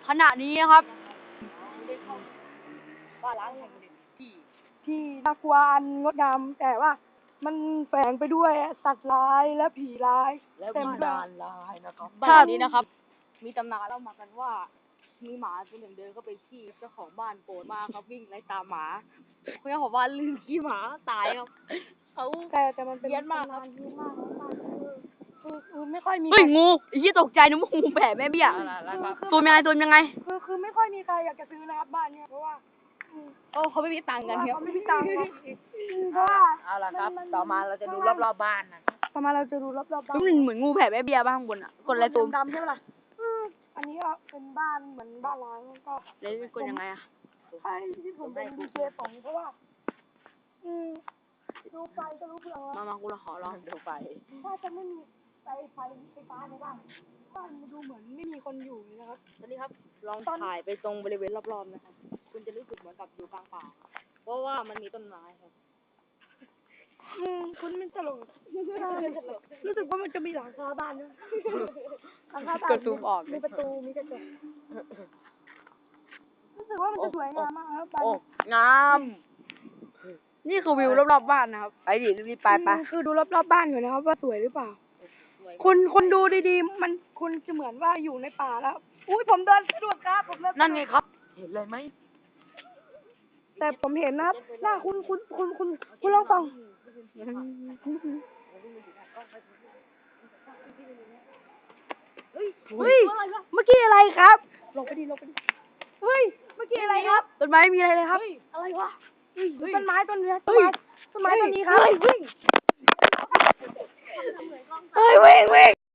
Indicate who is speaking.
Speaker 1: ขณะนี้นะครับ
Speaker 2: บ้านล้างแห่งหนึ่งที่น่ากลัวอันงดงามแต่ว่ามันแฝงไปด้วยสัตว์ร้ายและผีร้าย
Speaker 3: และวิญญาณร้ายนะครับ
Speaker 1: บ้านนี้นะครับ มีตำนานเล่ามากันว่า มีหมาตัวหนึ่งเดินเข้าไปขี้เจ้าของบ้านโกรธมากครับวิ่งไล่ตามหมาเจ้าของบ้านลืมขี้หมาตายครับเขา
Speaker 2: แต่มันเป็น
Speaker 1: เหี้ยนมากครับ
Speaker 2: เหี้ยนมากคือไม่ค่อยมี
Speaker 1: เฮ้ยงูไอ้ยี่ตกใจนึกว่างูแผ่แม่เบี้ยตัวยังไงตัวยังไง
Speaker 2: คือไม่ค่อยมีใครอยากจะซื้อนะครับบ้านเนี้ยเพราะว่า
Speaker 1: โอ้เขาไม่มีตังค์กันครับ
Speaker 2: เขาไม่มีตังค์ครับเพราะว่า
Speaker 3: เอาละครับ ต่อมาเราจะดูรอบๆบ้านนะ
Speaker 2: ต่อมาเราจะดูรอบๆบ้าน
Speaker 1: ก็มันเหมือนงูแผ่แม่เบี้ยบ้างบนอ่ะกดอะไรตัว
Speaker 2: ดำๆใช่ไหมล่ะอันนี้ก็เป็นบ้านเหมือนบ้านล้างก็
Speaker 1: เลยกดยังไงอ่ะ
Speaker 2: ใช่ที่ผมเป็นดีเจสองเพราะว่าดูไฟก็รู้เรื่องว่า
Speaker 1: มากูละขอลอง
Speaker 3: ดูไป
Speaker 2: ถ้าจะไม่มีไฟฟ้าในบ้านมันดูเหมือนไม่มีคนอยู่เลยนะครับ
Speaker 1: ตอนนี้ครับลองถ่ายไปตรงบริเวณรอบๆนะครับคุณจะรู้สึกเหมือนกับอยู่กลางป่าเพราะว่ามันมีต้นไม้ครับ
Speaker 2: คุณไม่ตลกรู้สึกว่ามันจะมีหลังคาบ้านด้วยหลังคาบ้าน
Speaker 1: กดซูมออก
Speaker 2: มีประตูมีกระจกรู้สึกว่ามันจะสวยงามมากครับบ้าน
Speaker 3: โอ้
Speaker 1: งาม นี่คือวิวรอบๆบ้านนะครับไปดิรีบไปไป
Speaker 2: คือดูรอบๆบ้านอยู่นะครับว่าสวยหรือเปล่าคุณดูดีๆมันคุณจะเหมือนว่าอยู่ในป่าแล้วอุ้ยผมเดินสะดวกครับผมเดิน
Speaker 3: นั่นไงครับ เห็นเลยไหม
Speaker 2: แต่ผมเห็นนะครับหน้าคุณลองฟังเฮ้ยเมื่อกี้อะไรครับลงไปดิเฮ้ยเมื่อกี้อะไรครับ
Speaker 1: ต้นไม้มีอะไรเลยครับ
Speaker 2: อะไรวะต้นไม้ต้นนี้ต้นไม้ต้นนี้ครับ
Speaker 1: เฮ้ยวิ่ง